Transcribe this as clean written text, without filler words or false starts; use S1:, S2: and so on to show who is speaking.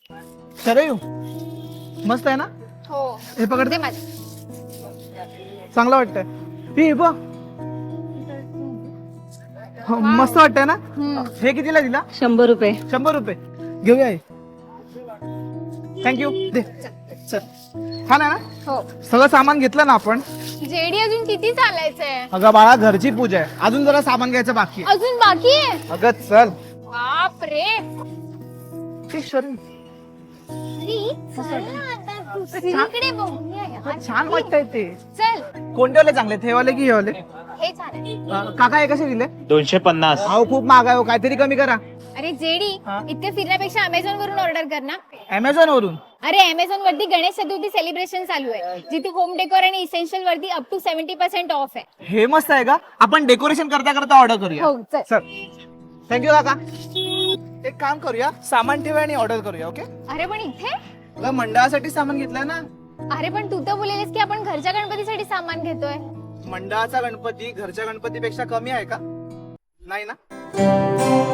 S1: शरयू मस्त आहे ना?
S2: हो
S1: हे पकड
S2: दे माझं.
S1: चांगलं वाटतंय. ही बघ हो, मस्त वाटतंय ना? हे कितीला दिला?
S3: 100 रुपये.
S1: 100 रुपये घेऊया. थँक्यू दे. चल छान आहे ना?
S2: हो.
S1: सगळं सामान घेतलं ना आपण?
S2: जेडी अजून किती चालायचंय?
S1: अगं बाळा घरची पूजा आहे, अजून जरा सामान घ्यायचं बाकी आहे.
S2: अजून बाकी आहे?
S1: अगं चल.
S2: बाप रे.
S1: ते शरीर
S2: दुसरीकडे बघूया यार.
S1: छान वाटतंय ते.
S2: चल
S1: कोणते वाले चांगले, हे वाले की हे वाले?
S2: हे छान आहे.
S1: काका हे कसे दिले?
S4: 250.
S1: अहो खूप महाग आहे हो, काहीतरी कमी करा.
S2: अरे जेडी
S1: हा?
S2: इतके फिरण्यापेक्षा अमेझॉन वरून ऑर्डर कर ना.
S1: अमेझॉन वरून?
S2: अरे अमेझॉन वरती गणेश चतुर्थी सेलिब्रेशन चालू आहे, जिथे होम डेकोर आणि इसेन्शियल वरती अप टू 70% ऑफ आहे.
S1: हे मस्त आहे का? आपण डेकोरेशन करता करता ऑर्डर करूया.
S2: हो चल.
S1: चल थँक्यू काका. एक काम करूया, सामान ठेवूया आणि ऑर्डर करूया. ओके?
S2: अरे पण इथे?
S1: अगं मंडळासाठी सामान घेतलंय ना.
S2: अरे पण तू तर बोललेस की आपण घरच्या गणपतीसाठी सामान घेतोय.
S1: मंडळाचा गणपती घरच्या गणपतीपेक्षा कमी आहे का? नाही ना?